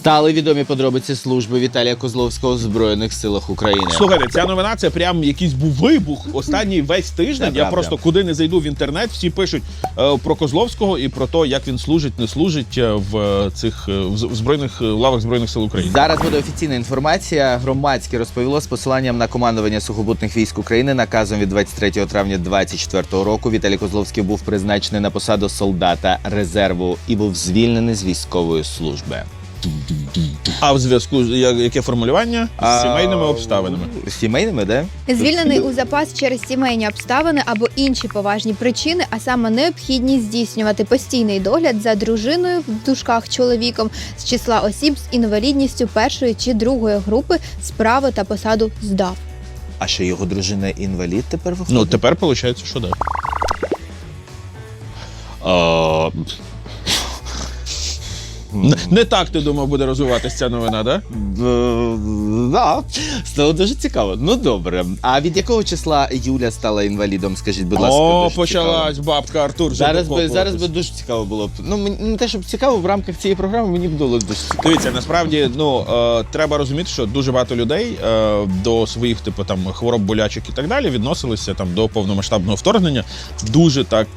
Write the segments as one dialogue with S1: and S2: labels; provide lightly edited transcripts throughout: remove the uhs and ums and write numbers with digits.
S1: Стали відомі подробиці служби Віталія Козловського в Збройних силах України.
S2: Слухайте, ця новина, це прям якийсь був вибух останній весь тиждень.
S1: Це
S2: Я
S1: правда.
S2: просто куди не зайду в інтернет, всі пишуть про Козловського і про те, як він служить, не служить в цих в лавах Збройних сил України.
S1: Зараз буде офіційна інформація. Громадське розповіло з посиланням на командування сухопутних військ України наказом від 23 травня 2024 року Віталій Козловський був призначений на посаду солдата резерву і був звільнений з військової служби.
S2: А в зв'язку з яке формулювання? З сімейними обставинами.
S1: З сімейними, да?
S3: Звільнений у запас через сімейні обставини або інші поважні причини, а саме необхідність здійснювати постійний догляд за дружиною в дужках чоловіком з числа осіб з інвалідністю першої чи другої групи справи та посаду здав.
S1: А що його дружина інвалід тепер виходить?
S2: Ну, тепер виходить, що так. Не так, ти думав, буде розвиватися ця новина, так?
S1: Да, стало дуже цікаво. Ну добре. А від якого числа Юля стала інвалідом? Скажіть, будь ласка.
S2: О,
S1: дуже
S2: почалась бабка Артур.
S1: Зараз би дуже цікаво було б. Ну, не те, щоб цікаво, в рамках цієї програми мені б було дуже цікаво.
S2: Дивіться, насправді, треба розуміти, що дуже багато людей до своїх, типу, там, хвороб, болячок і так далі відносилися там до повномасштабного вторгнення дуже так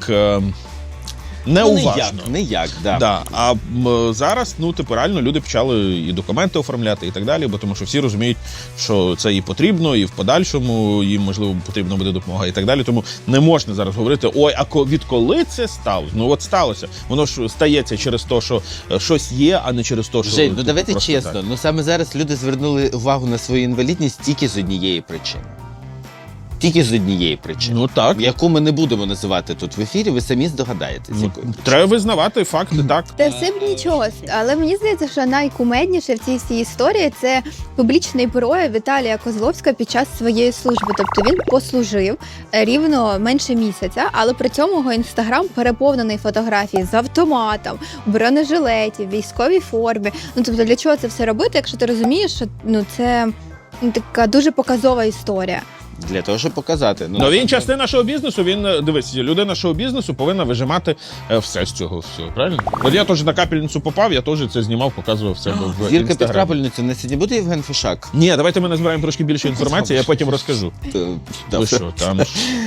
S2: неуважно.
S1: Ніяк, да.
S2: Да. А зараз, реально люди почали і документи оформляти і так далі, бо тому що всі розуміють, що це і потрібно, і в подальшому їм, можливо, потрібна буде допомога і так далі. Тому не можна зараз говорити, ой, а відколи це сталося? Ну от сталося. Воно ж стається через те, що щось є, а не через те, що...
S1: Жень, ну давайте
S2: просто
S1: чесно,
S2: так.
S1: ну саме зараз люди звернули увагу на свою інвалідність тільки з однієї причини. Тільки з однієї причини.
S2: Ну так.
S1: Яку ми не будемо називати тут в ефірі, ви самі здогадаєтесь.
S2: Треба визнавати факти, так.
S3: Та все б нічого, але мені здається, що найкумедніше в цій всій історії – це публічний прояв Віталія Козловського під час своєї служби. Тобто він послужив рівно менше місяця, але при цьому його інстаграм переповнений фотографії з автоматом, бронежилеті, військовій формі. Ну тобто для чого це все робити, якщо ти розумієш, що це така дуже показова історія.
S1: Для того, щоб показати.
S2: Ну він частина шоу-бізнесу, дивись, людина шоу-бізнесу повинна вижимати все з цього всього, правильно? От я теж на капельницю попав, я теж це знімав, показував себе в
S1: Зірка під
S2: Інстаграмі.
S1: крапельницю на сьогодні буде Євген Фишак?
S2: Ні, давайте ми назбираємо трошки більше інформації, я потім розкажу. Ви що, там?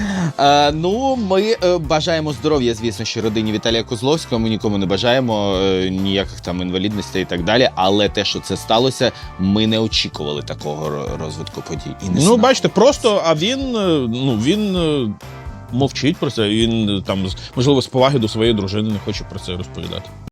S1: Ну, ми бажаємо здоров'я, звісно, що родині Віталія Козловського. Ми нікому не бажаємо ніяких там інвалідностей і так далі. Але те, що це сталося, ми не очікували такого розвитку подій. І не знали.
S2: Бачите, просто, а він мовчить про це, він там, можливо, з поваги до своєї дружини не хоче про це розповідати.